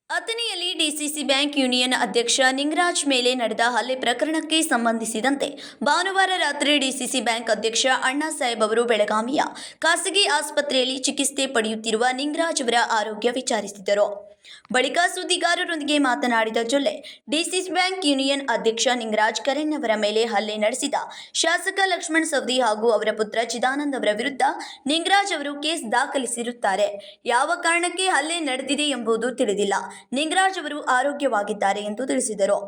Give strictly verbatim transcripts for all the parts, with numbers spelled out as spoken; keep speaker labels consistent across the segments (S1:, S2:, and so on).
S1: ಅಥಣಿಯಲ್ಲಿ DCC bank union ಅಧ್ಯಕ್ಷ ನಿಂಗರಾಜ್ ಮೇಲೆ ನಡೆದ ಹಲ್ಲೆ ಪ್ರಕರಣಕ್ಕೆ ಸಂಬಂಧಿಸಿದಂತೆ ಭಾನುವಾರ ರಾತ್ರಿ ಡಿಸಿಸಿ ಬ್ಯಾಂಕ್ ಅಧ್ಯಕ್ಷ ಅಣ್ಣಾ ಸಾಹೇಬ್ ಅವರು ಬೆಳಗಾವಿಯ ಖಾಸಗಿ ಆಸ್ಪತ್ರೆಯಲ್ಲಿ ಚಿಕಿತ್ಸೆ ಪಡೆಯುತ್ತಿರುವ ನಿಂಗರಾಜ್ ಅವರ ಆರೋಗ್ಯ ವಿಚಾರಿಸಿದರು. ಬಳಿಕ ಸುದ್ದಿಗಾರರೊಂದಿಗೆ ಮಾತನಾಡಿದ ಜೊಲ್ಲೆ, ಡಿಸಿಸಿ ಬ್ಯಾಂಕ್ ಯೂನಿಯನ್ ಅಧ್ಯಕ್ಷ ನಿಂಗರಾಜ್ ಕರೆನ್ ಅವರ ಮೇಲೆ ಹಲ್ಲೆ ನಡೆಸಿದ ಶಾಸಕ ಲಕ್ಷ್ಮಣ ಸವದಿ ಹಾಗೂ ಅವರ ಪುತ್ರ ಚಿದಾನಂದ್ ಅವರ ವಿರುದ್ಧ ನಿಂಗರಾಜ್ ಅವರು ಕೇಸ್ ದಾಖಲಿಸಿರುತ್ತಾರೆ. ಯಾವ ಕಾರಣಕ್ಕೆ ಹಲ್ಲೆ ನಡೆದಿದೆ ಎಂಬುದು ತಿಳಿದಿಲ್ಲ. ನಿಂಗರಾಜ್ ಅವರು ಆರೋಗ್ಯವಾಗಿದ್ದಾರೆ ಎಂದು ತಿಳಿಸಿದರು.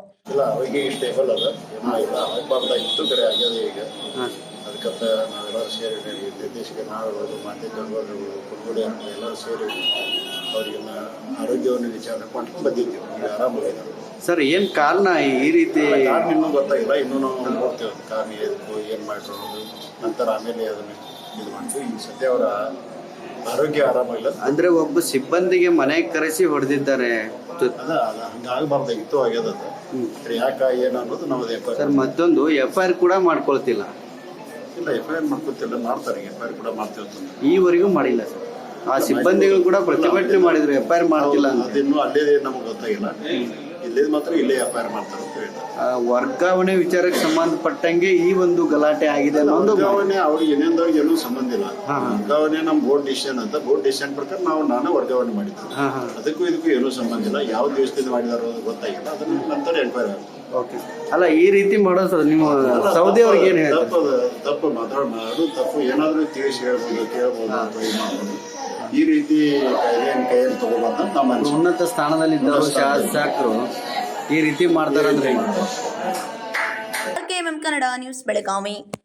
S2: ಅದಕ್ಕೆ ನಾವೆಲ್ಲರೂ ಸೇರಿ ನಿರ್ದೇಶಕ ನಾವುಗಳು ಮಾಧ್ಯಮಗಳು ಕುರುಗುಡಿ ಎಲ್ಲರೂ ಸೇರಿ ಅವರಿಗೆಲ್ಲ ಆರೋಗ್ಯವನ್ನು ವಿಚಾರಣೆ ಮಾಡ್ಕೊಂಡು ಬಂದಿದ್ದೀವಿ. ಈಗ ಆರಾಮಾಗಿದ್ದಾರೆ
S3: ಸರ್. ಏನು ಕಾರಣ ಈ ರೀತಿ?
S2: ಕಾರಣ ಇನ್ನೂ ಗೊತ್ತಾಗಿಲ್ಲ. ಇನ್ನೂ ನಾವು ನೋಡ್ತೇವೆ ಕಾರಣ ಎದಕ್ಕೂ ಏನು ಮಾಡಿರೋದು. ನಂತರ ಆಮೇಲೆ ಅದನ್ನು ಇದು ಮಾಡ್ತೀವಿ. ಈಗ ಸದ್ಯ ಅವರ ಆರೋಗ್ಯ ಆರಾಮಾಗಿಲ್ಲ.
S3: ಅಂದರೆ ಒಬ್ಬ ಸಿಬ್ಬಂದಿಗೆ ಮನೆಗೆ ಕರೆಸಿ ಹೊಡೆದಿದ್ದಾರೆ.
S2: ಅದ ಅದ ಹಂಗಾಗಬಾರ್ದಾಗಿತ್ತು, ಆಗ್ಯದ. ಯಾಕೆ ಏನು ಅನ್ನೋದು ನಾವು
S3: ಸರ್ ಮತ್ತೊಂದು ಎಫ್ ಐ ಆರ್ ಕೂಡ ಮಾಡ್ಕೊಳ್ತಿಲ್ಲ.
S2: ಇಲ್ಲ, ಎಫ್ ಐ ಆರ್ ಮಾಡ್ಕೊತಿಲ್ಲ, ಮಾಡ್ತಾರೆ. ಎಫ್ ಐ ಆರ್ ಕೂಡ ಮಾಡ್ತೀವಿ.
S3: ಈವರೆಗೂ ಮಾಡಿಲ್ಲ ಸರ್. ಆ ಸಿಬ್ಬಂದಿಗಳು ಕೂಡ ಪ್ರತಿಭಟನೆ ಮಾಡಿದ್ರು, ಎಫ್ ಐ ಆರ್ ಮಾಡ್ತಿಲ್ಲ ಅಂತ.
S2: ಅದಿನ್ನೂ ಅಲ್ಲೇ ನಮಗೆ ಗೊತ್ತಾಗಿಲ್ಲ. ಇಲ್ಲೇ ಮಾತ್ರ ಇಲ್ಲೇ ಎಫ್ ಐ ಆರ್ ಮಾಡ್ತಾರೆ ಅಂತ ಹೇಳ್ತಾರೆ.
S3: ವರ್ಗಾವಣೆ ವಿಚಾರಕ್ಕೆ ಸಂಬಂಧಪಟ್ಟಂಗೆ ಈ ಒಂದು ಗಲಾಟೆ ಆಗಿದೆ ಅನ್ನೋದು.
S2: ವರ್ಗಾವಣೆ ಅವ್ರಿಗೆ ಏನೇಂದವ್ರಿಗೆ ಏನೂ ಸಂಬಂಧ ಇಲ್ಲ. ವರ್ಗಾವಣೆ ನಮ್ಮ ಬೋರ್ಡ್ ಡಿಸಿಷನ್ ಅಂತ, ಬೋರ್ಡ್ ಡಿಸಿಷನ್ ಪ್ರಕಾರ ನಾವು ನಾನೇ ವರ್ಗಾವಣೆ ಮಾಡಿದ್ದೆ. ಅದಕ್ಕೂ ಇದಕ್ಕೂ ಏನೂ ಸಂಬಂಧ ಇಲ್ಲ. ಯಾವ ದಿವಸದಿಂದ ಮಾಡಿದಾರೋ ಅದು ಗೊತ್ತಾಗಿಲ್ಲ. ಅದನ್ನ ನಂತರ ಎನ್ಕ್ವೈರಿ ಆಗುತ್ತೆ.
S3: ಓಕೆ. ಅಲ್ಲ, ಈ ರೀತಿ ಮಾಡೋದು ನಿಮ್ಮ ಸೌದಿ ಅವ್ರಿಗೆ ಏನು ಹೇಳ್ತಾರೆ?
S2: ತಪ್ಪು ತಪ್ಪು ಮಾತಾಡೋಣ, ಅದು ತಪ್ಪು. ಏನಾದರೂ ತಿಳಿಸಿ ಹೇಳ್ಬೋದು, ಕೇಳ್ಬೋದು ಅಥವಾ ಇದು ಮಾಡ್ಬೋದು. ಈ ರೀತಿ ಕಾಯ್ದೆಯನ್ನು ಕೈಯಲ್ಲಿ ತಗೋಬಾರ್ದು ಅಂತ ನಮ್ಮ
S3: ಉನ್ನತ ಸ್ಥಾನದಲ್ಲಿದ್ದವರು ಶಾಸಕರು ಈ ರೀತಿ ಮಾಡ್ತಾರಂದ್ರೆ
S1: ಕನ್ನಡ ನ್ಯೂಸ್ ಬೆಳಗಾವಿ.